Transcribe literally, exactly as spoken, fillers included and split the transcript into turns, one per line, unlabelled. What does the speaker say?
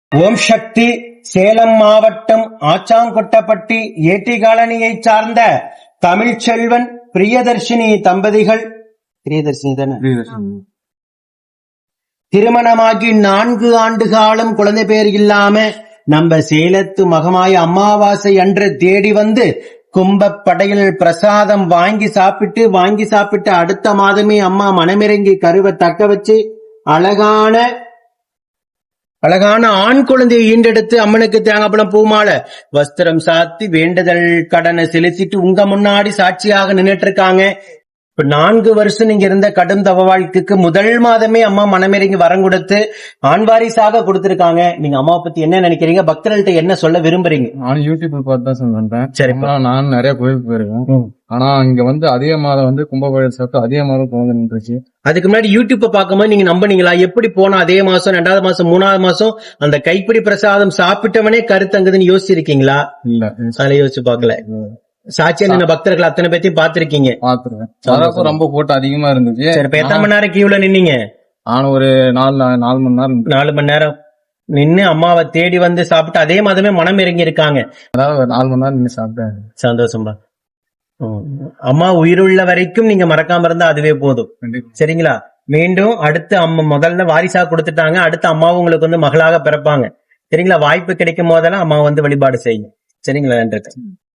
ஓம் சக்தி. சேலம் மாவட்டம் ஆச்சாங்கொட்டப்பட்டி ஏட்டி காலனியை சார்ந்த தமிழ்ச்செல்வன் பிரியதர்ஷினி தம்பதிகள், பிரியதர்ஷினி தானே, திருமணமாகி நான்கு ஆண்டு காலம் குழந்தை பேர் இல்லாம நம்ம சேலத்து மகமாய அமாவாசை அன்று தேடி வந்து கும்பப்படையில் பிரசாதம் வாங்கி சாப்பிட்டு வாங்கி சாப்பிட்டு அடுத்த மாதமே அம்மா மனமிறங்கி கருவை தக்க வச்சு அழகான அழகான ஆண் குழந்தையை ஈண்டெடுத்து அம்மனுக்கு தேங்காய்பழம் பூமாலை வஸ்திரம் சாத்தி வேண்டுதல் கடனை செலுத்திட்டு உங்க முன்னாடி சாட்சியாக நின்றுட்டு இருக்காங்க. இப்ப நான்கு வருஷம் நீங்க இருந்த கடும் தவ வாழ்க்கைக்கு முதல் மாதமே அம்மா மனமிறங்கி வரம் கொடுத்து ஆண் வாரிசாக கொடுத்திருக்காங்க. நீங்க அம்மாவை பத்தி என்ன நினைக்கிறீங்க? பக்தர்கள்ட்ட என்ன சொல்ல விரும்புறீங்க?
நான் யூடியூப்ல பார்த்து தான் சொல்றேன்.
சரி,
நான் நிறைய கோயிலுக்கு போயிருக்கேன். ஆனா இங்க வந்து அதே மாதம் வந்து கும்பகோயில் சாப்பிட்டு அதே மாதம் குழந்தை நின்றுச்சு. அதுக்கு
முன்னாடி யூடியூப்ப பார்க்கும்போது நீங்க நம்பினீங்களா? எப்படி போனா அதே மாசம் ரெண்டாவது மாசம் மூணாவது மாசம் அந்த கைப்பிடி பிரசாதம் சாப்பிட்டவனே கருத்தங்குதுன்னு யோசிச்சிருக்கீங்களா?
இல்ல,
அதுல யோசிச்சு பாக்கல. சாட்சியா நின்ன பக்தர்கள் அத்தனை பேத்தையும் பாத்திருக்கீங்க.
பாத்துருக்கேன். ரொம்ப கூட்டம் அதிகமா இருந்துச்சு.
சரி, இப்ப எத்தனை மணி நேரம் கியூல நின்னீங்க?
நானும் ஒரு நாலு நாலு மணி நேரம்
நாலு மணி நேரம் நின்னு அம்மாவை தேடி வந்து சாப்பிட்டு அதே மாதமே மனம் இறங்கி இருக்காங்க.
அதாவது ஒரு நாலு மணி நேரம் நின்று சாப்பிட்டேன்.
சந்தோஷம்பா. அம்மா உயிருள்ள வரைக்கும் நீங்க மறக்காம இருந்தா அதுவே போதும். சரிங்களா? மீண்டும் அடுத்து அம்மா முதல்ல வாரிசா கொடுத்துட்டாங்க, அடுத்த அம்மாவும் உங்களுக்கு வந்து மகளாக பிறப்பாங்க. சரிங்களா? வாய்ப்பு கிடைக்கும் போதெல்லாம் அம்மா வந்து வழிபாடு செய்யும். சரிங்களா? நன்றி.